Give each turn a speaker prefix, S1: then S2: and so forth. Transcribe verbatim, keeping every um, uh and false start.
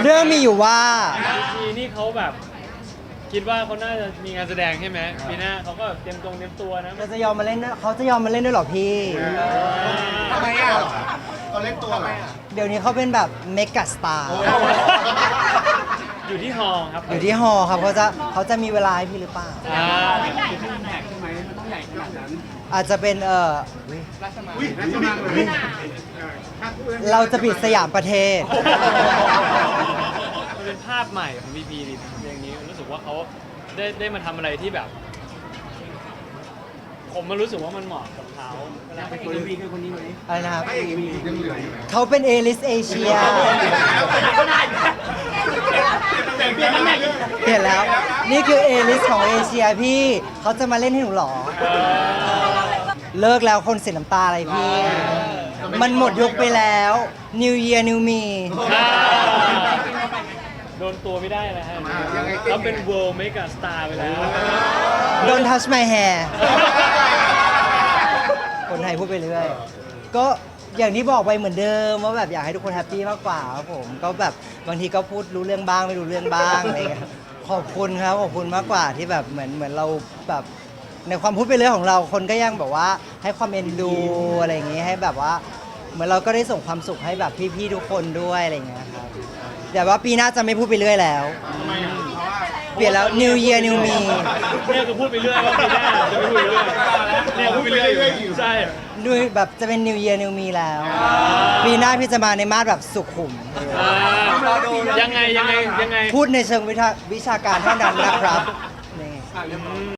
S1: เรื่องมีอยู่ว่า
S2: พีนี่เขาแบบคิดว่าเขาน่าจะมีงานแสดงใช่ไหมปีหน้าเขาก็เตรียมตรงเตรียมตัวนะ
S1: เราจะยอมมาเล่นด้วยเขาจะยอมมาเล่นด้วยเหรอพี่
S3: ทำไมอ่ะเขาเล่นตัวเหรอ
S1: เดี๋ยวนี้เขาเป็นแบบเมกะสตาร์
S2: อยู่ที่ฮอครับ
S1: อยู่ที่ฮอครับเขาจะเขาจะมีเวลาให้พี่หรือเปล่า
S2: อ่า
S1: อาจจะเป็นเอออุ๊ย
S3: อุ้ยนั่นจะมากเลย
S1: เราจะปิดสยามประเทศ
S2: มันเป็นภาพใหม่ของพีพีนี่อย่างนี้รู้สึกว่าเขาได้ได้มาทำอะไรที่แบบ ผมมันรู้สึกว่ามันเหมาะกับเขาเวลาไปคนพีคือคนนี้ไหม
S1: อะไรนะครับ
S3: ไม่ยังมียังเหลืออยู่นะ
S1: เขาเป็นเอลิสเอเชีย เปลี่ยนแล้ว นี่คือเอลิสของเอเชียพี่ เขาจะมาเล่นให้หนูเหรอ เลิกแล้วคนเสียน้ำตาอะไรพี่ มันหมดยุคไปแล้ว New Year New Me
S2: โดนตัวไม่ได้นะฮะเขาเป็น world mega star ไปแล้ว
S1: Don't touch my hair คนไทยพูดไปเรื่อย ก็อย่างที่บอกไปเหมือนเดิมว่าแบบอยากให้ทุกคนแฮปปี้มากกว่าครับผม ก็แบบบางทีก็พูดรู้เรื่องบ้างไม่รู้เรื่องบ้างอะไรเงี้ยขอบคุณครับขอบคุณมากกว่าที่แบบเหมือนเหมือนเราแบบในความพูดไปเรื่อยของเราคนก็ยังแบบว่าให้ความเอ็นดูอะไรอย่างงี้ให้แบบว่าเหมือนเราก็ได้ส่งความสุขให้แบบพี่ๆทุกคนด้วยอะไรเงี้ยครับแต่ว่าปีหน้าจะไม่พูดไปเรื่อยแล้ว เปลี่ยนแล้ว New Year New Me
S2: เนี่ยคือพูดไปเรื่อยว่าปีหน้าจะไม่พูดไปเรื่อยเนี่ยพูดไปเรื่อยอยู่ใช่
S1: ด้วยแบบจะเป็น New Year New Me แล้ว ปีหน้าพี่จะมาในมาสแบบสุขุม
S2: อ่ายังไงยังไงยังไง
S1: พูดในเชิงวิชาวิชาการเท่านั้นนะครับนี่